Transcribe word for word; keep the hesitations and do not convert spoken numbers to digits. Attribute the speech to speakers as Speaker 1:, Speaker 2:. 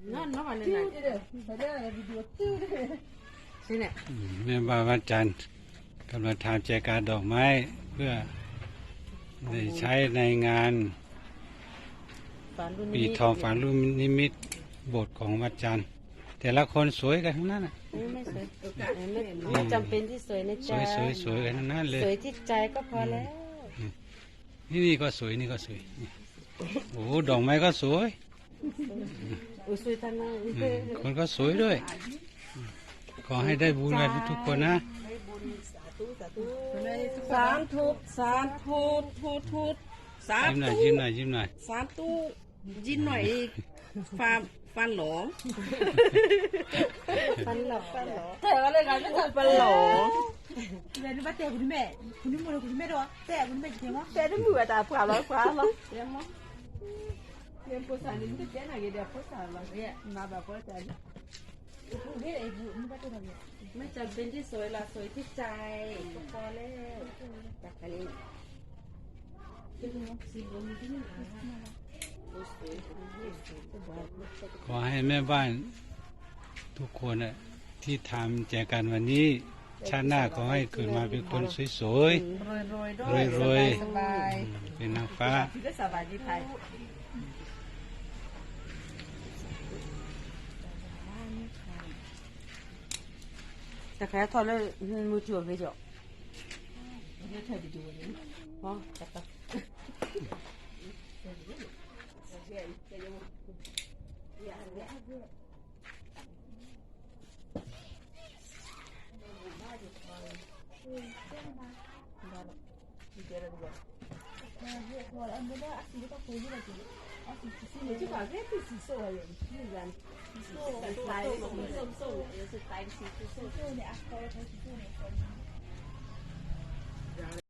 Speaker 1: นั่นน้องอะไรนั่นนี่แหละ
Speaker 2: แม่บ้านวัดจันทร์กำลังทำแจกันดอกไม้เพื่อได้ใช้ในงานปีทองฝันรุ่นนิมิตโบสถ์ของวัดจันทร์แต่ละคนสวยกันทั้งนั้น
Speaker 1: ไม่สวยไม่ไม่จำเป็นที่สวยนะจ๊ะ
Speaker 2: สวยสวยกันทั้งนั้นเลย
Speaker 1: สวยที่ใจก็พอแล้ว
Speaker 2: นี่นี่ก็สวยนี่ก็สวยโอ้ดอกไม้ก็สวย
Speaker 1: อุ้ยสวยทั้งนั้น
Speaker 2: คนก็สวยด้วยขอให้ได้บุญกันทุกคนนะ
Speaker 1: สามทุบสามทุบทุบทุบสาม
Speaker 2: ยิ้มหน่อยยิ้มหน่อยยิ้มหน่อย
Speaker 1: สามตู้ยิ้มหน่อยฟันฟันหลงฟันหลงฟันหลงแต่อะไรกันไม่ใช่ฟันหลง
Speaker 3: เดี๋ยวนี้มาเตะคุณแม่คุณนี่มือคุณแม่ด้วยเตะคุณแม่จริงมั้ย
Speaker 1: เตะด้วยมือแต่ผ่าร้อยขวามั้งเรียนมั้งเรียนภาษานี่มันจะเจ๊ไหนกันเดี๋ยวภาษาอะไรเนี่ยมาแบบภาษาไม่จำเป็นที่สวยละสวยที่ใจก็พอแล้วจากนี้
Speaker 2: ขอให้แม่บ้านทุกคนที่ทำแจกันวันนี้ชาติหน้าขอให้เกิดมาเป็นคนสวยๆรวยๆเป็นนางฟ้า
Speaker 1: แต่แค่ทอดแล้วมือถือไม่จบไม่ใช่ดีๆนี่อ๋อจับตั这把这不是瘦了，自然瘦，来，瘦瘦，也是担心瘦瘦的。